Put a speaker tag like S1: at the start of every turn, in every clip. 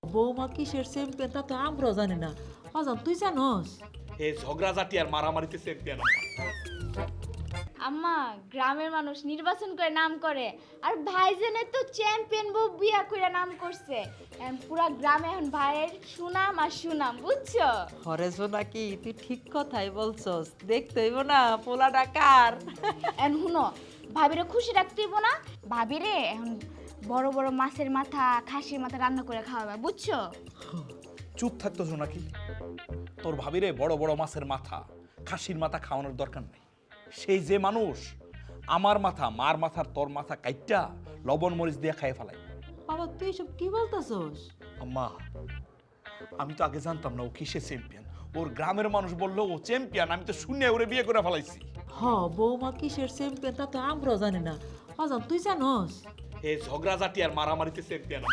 S1: বৌমা কিসের চ্যাম্পিয়ন তা তো আমরাও জানি না। অজান তুই জানোস?
S2: এই ঝগড়াঝাটি আর মারামারিতে চ্যাম্পিয়ন।
S3: আম্মা, গ্রামের মানুষ নির্বাচন করে নাম করে, আর ভাইজানের তো চ্যাম্পিয়ন বউ বিয়া করে নাম করছে। এখন পুরা গ্রামে এখন ভাইয়ের সুনাম আর সুনাম, বুঝছো?
S1: হরেছ নাকি তুই ঠিক কথাই বলছস, দেখতে হইব না পোলা ডাকার।
S3: এখন শুনো, ভাবিরে খুশি রাখতে হইব না? ভাবিরে এখন বড় বড় মাছের মাথা, খাসির মাথা রান্না করে খাওয়াবে, বুঝছো?
S2: চুপ থাকতো নাকি? তোর ভাবিরে বড় বড় মাছের মাথা, খাসির মাথা খাওয়ানোর দরকার নাই। সেই যে মানুষ আমার মাথা, মার মাথার তোর মাথা কাইটটা লবণ মরিচ দিয়ে খাইয়ে ফেলাই।
S1: বাবা তুই এসব কি বলতেছস?
S2: আম্মা, আমি তো আগে জানতাম না ও কিসে চ্যাম্পিয়ন। ওর গ্রামের মানুষ বললো ও চ্যাম্পিয়ন, আমি তো শুনে ওরে বিয়ে করে ফেলাইছি।
S1: বৌমা কিসের চ্যাম্পিয়ন তা তো আমরাও জানি না। অজান তুই জানোস?
S2: এই ঝগড়াঝাটি আর মারামারিতে চ্যাম্পিয়ন।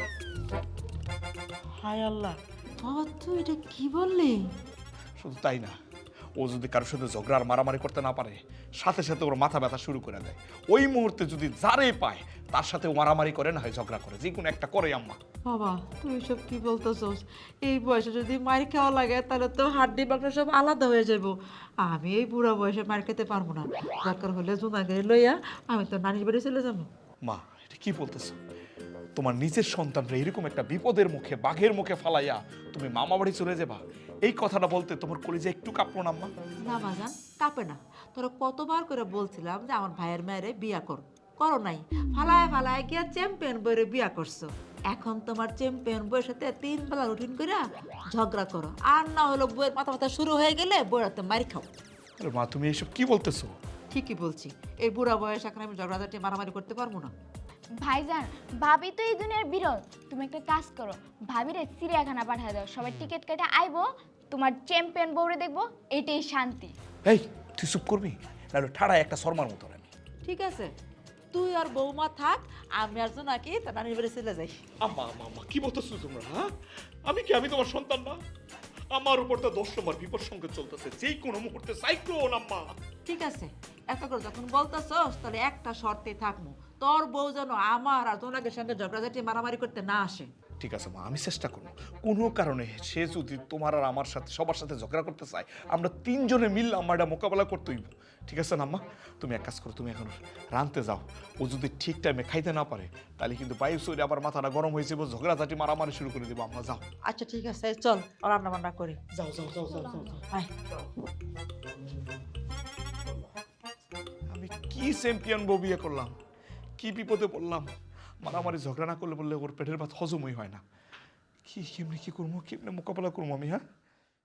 S1: হায় আল্লাহ, বাবা তুই এটা কি বললি?
S2: শুধু তাই না, ও যদি কারোর সাথে ঝগড়া আর মারামারি করতে না পারে, সাথে সাথে ওর মাথা ব্যথা শুরু করে দেয়। ওই মুহূর্তে যদি যারে পায় তার সাথে ও মারামারি করে, না হয় ঝগড়া করে, যে কোনো একটা করে আম্মা।
S1: বাবা তুই সব কি বলতেছস? এই বয়সে যদি মার খাওয়া লাগে তাহলে তো হাড্ডি বাকড়া সব আলাদা হয়ে যাব। আমি এই বুড়া বয়সে মার খেতে পারবো না। দরকার হলে জুনাকে লইয়া আমি তো নানির বাড়ি চলে যাবো।
S2: মা, এটা কি বলতেছো? তোমার নিজের সন্তানরা এরকম একটা বিপদের মুখে, বাঘের মুখে ফালাইয়া তুমি মামা বাড়ি চলে যাবা, এই কথাটা বলতে তোমার কলিজা একটু কাঁপলো না আম্মা?
S1: না বাজান, কাঁপে না। তোরা কতবার করে বলছিলাম যে আমার ভাইয়ের মেয়েরে বিয়া করো নাই। ফালায় ফালায় গিয়া চ্যাম্পিয়ন বইরে বিয়া করছো। এখন তোমার চ্যাম্পিয়ন বইয়ের সাথে 3 বেলা রুটিন করে ঝগড়া করো, আর না হলো বইয়ের মাথা মাথা শুরু হয়ে গেলে বইয়ের হাতে মারি খাও।
S2: আরে মা, তুমি এইসব কি বলতেছো?
S1: ঠিকই বলছি, এই বুড়া বয়স এখন আমি ঝগড়াঝাটি মারামারি করতে পারবো না।
S3: ভাইজান, ভাবি তো এই দুনিয়ার বিরল। তুমি একটা কাজ করো, ভাবিরে চিড়িয়াখানা পাঠিয়ে দাও, সবাই টিকিট কেটে আইবো, তোমার চ্যাম্পিয়ন বউরে দেখবো, এটাই শান্তি।
S2: এই তুই চুপ করবি, নাহলে ঠাড়ায় একটা শর্মার মতো আমি।
S1: ঠিক আছে, তুই আর বৌমা থাক, আমি আর জোনাকি তার নানির বাড়ি চলে যাই।
S2: আম্মা আম্মা আম্মা, কি বলতেছো তোমরা? হ্যাঁ, আমি তোমার সন্তান না? আমার উপর তো 10 নম্বর বিপদ সংকেত চলতেছে, যে কোনো মুহূর্তে সাইক্লোন আম্মা।
S1: ঠিক আছে, এত করে যখন বলতেছস তাহলে একটা শর্তে থাকবো, তোর বউ যেন আমার আর জোনাকের সঙ্গে ঝগড়াঝাটি মারামারি করতে না আসে।
S2: ঠিক আছে মা, আমি চেষ্টা করবো। কোনো কারণে সে যদি তোমার আর আমার সাথে, সবার সাথে ঝগড়া করতে চায়, আমরা 3 জনে মিললে আমার এটা মোকাবেলা করতে হইব। ঠিক আছে না আম্মা? তুমি এক কাজ করো, তুমি এখন রানতে যাও। ও যদি ঠিক টাইমে খাইতে না পারে, তাহলে কিন্তু বাইরে সরে আবার মাথাটা গরম হয়ে যাবো, ঝগড়াঝাটি মারামারি শুরু করে দেবো। আমরা যাও।
S1: আচ্ছা ঠিক আছে, চল রান্না বান্না করি।
S2: যাও যাও যাও যাও যাও যাও।
S1: আয়।
S2: আমি কি চ্যাম্পিয়ন বউ বিয়ে করলাম, কি বিপদে পড়লাম। মারামারি ঝগড়া না করলে বললে ওর পেটের ভাত হজমই হয় না। কি কেমনে কি করবো, কেমনে মোকাবেলা করবো আমি? হ্যাঁ,